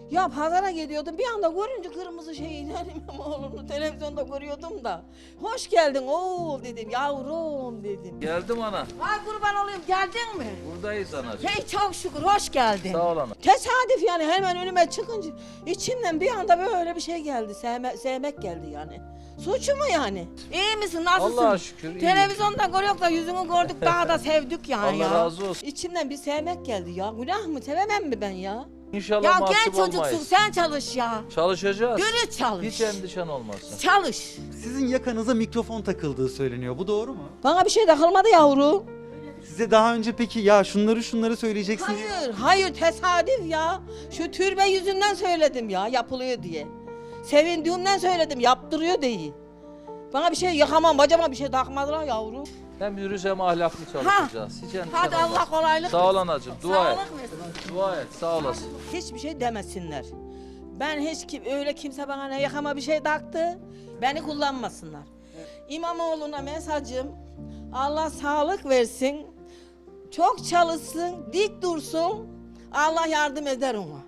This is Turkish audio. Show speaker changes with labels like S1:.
S1: Ya pazara gidiyordum bir anda görünce kırmızı şeyi İmamoğlu'nu televizyonda görüyordum da. Hoş geldin oğul dedim, yavrum dedim.
S2: Geldim ana.
S1: Ay kurban olayım, geldin mi?
S2: Buradayız anacığım.
S1: Hey çok şükür hoş geldin.
S2: Sağ ol ana.
S1: Tesadüf yani hemen önüme çıkınca içimden bir anda böyle bir şey geldi. Sevmek geldi yani. Suçu mu yani? İyi misin? Nasılsın?
S2: Allah'a şükür, iyiyim.
S1: Televizyonda görüyoruz da yüzünü gördük daha da sevdik yani
S2: Allah
S1: ya.
S2: razı olsun.
S1: İçimden bir sevmek geldi ya. Günah mı? Sevemem mi ben ya?
S2: İnşallah
S1: Ya
S2: mahcup
S1: genç çocuksun
S2: olmayız.
S1: sen çalış ya.
S2: Çalışacağız.
S1: Dürüst çalış.
S2: Hiç endişen olmasın.
S1: Çalış.
S3: Sizin yakanıza mikrofon takıldığı söyleniyor. Bu doğru mu?
S1: Bana bir şey takılmadı yavru.
S3: Size daha önce peki ya şunları söyleyeceksin diye.
S1: Hayır tesadüf ya. Şu türbe yüzünden söyledim ya yapılıyor diye. Sevindiğimden söyledim yaptırıyor diye. Bana bir şey yakamam bacama bir şey takmadılar yavru.
S2: Hem yürüyüş hem ahlaklı çalışacağız. Hiç endişen
S1: Hadi
S2: olmasın.
S1: Allah kolaylık
S2: Sağ ol
S1: versin.
S2: anacığım. Dua et.
S1: Sağlık versin.
S2: Dua et. Sağ olasın.
S1: Hiçbir şey demesinler. Ben öyle kimse bana ne yakama bir şey taktı. Beni kullanmasınlar. İmamoğlu'na mesajım Allah sağlık versin. Çok çalışsın, dik dursun. Allah yardım eder ona.